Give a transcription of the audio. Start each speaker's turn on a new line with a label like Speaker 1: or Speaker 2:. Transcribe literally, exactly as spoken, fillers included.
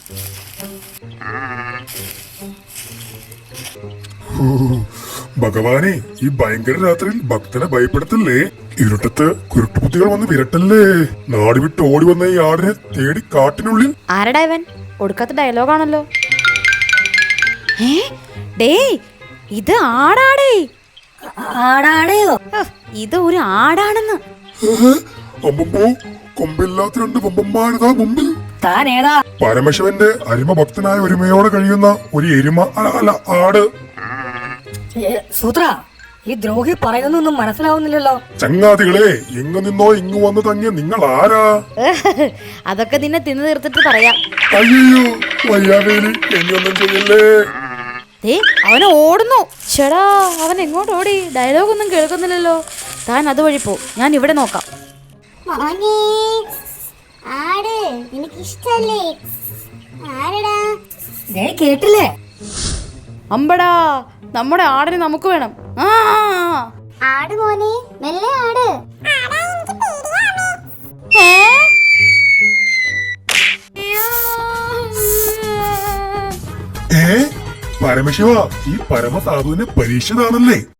Speaker 1: ഭഗവാനെ, ഈ ഭയങ്കര രാത്രിയിൽ ഭക്തനെ ഭയപ്പെടുത്തല്ലേ. ഇരുട്ടത്ത് കുരുട്ടുപുത്തികൾ വന്ന് വിരട്ടല്ലേ. നാട് വിട്ട് ഓടി വന്ന ഈ ആടിനെ തേടി കാട്ടിനുള്ളിൽ.
Speaker 2: ആരടാ ഇവൻ? ഒടുക്കാത്ത ഡയലോഗാണല്ലോ. ഏ ഡേ, ഇത് ആടാടേ.
Speaker 3: ആടാടയോ?
Speaker 2: ഇത് ഒരു ആടാണെന്ന്.
Speaker 1: അമ്പമ്പോ, കൊമ്പില്ലാത്ത രണ്ട് വമ്പന്മാരിതാ മുമ്പിൽ.
Speaker 3: താൻ ഏതാ?
Speaker 1: പരമശിവന്റെ അരിമ ഭക്തനായ ഒരുമയോടെ കഴിയുന്ന ഒരു എരുമ, അല്ല ആട്.
Speaker 3: സൂത്ര, ഈ ദ്രോഹി പറയുന്നൊന്നും മനസ്സിലാവുന്നില്ലല്ലോ.
Speaker 1: ചങ്ങാതികളെ, എങ്ങു നിന്നോ ഇങ്ങു വന്നു തങ്ങിയ നിങ്ങൾ ആരാ?
Speaker 2: അതൊക്കെ നിന്നെ തിന്നു തീർത്തിട്ട് പറയാം.
Speaker 1: അയ്യോ വയ്യാവേലി, എന്നൊന്നും ചെയ്യല്ലേ.
Speaker 2: ഏ അവനെ ഓടുന്നു. ചേടാ, അവൻ എങ്ങോട്ട് ഓടി? ഡയലോഗ് ഒന്നും കേൾക്കുന്നില്ലല്ലോ. താൻ അതുവഴി പോ, ഞാൻ ഇവിടെ നോക്കാം.
Speaker 4: ആട് എനിക്കിഷ്ടല്ലേ? ആരടാ?
Speaker 3: കേട്ടില്ലേ?
Speaker 2: അമ്പടാ, നമ്മുടെ ആടിനെ നമുക്ക് വേണം. ആ
Speaker 4: ആട് മോനെ, മെല്ലെ ആട്.
Speaker 2: ഏ?
Speaker 1: ഏ പരമശിവ, ഈ പരമസാധുവിനെ പരീക്ഷിതാണല്ലേ.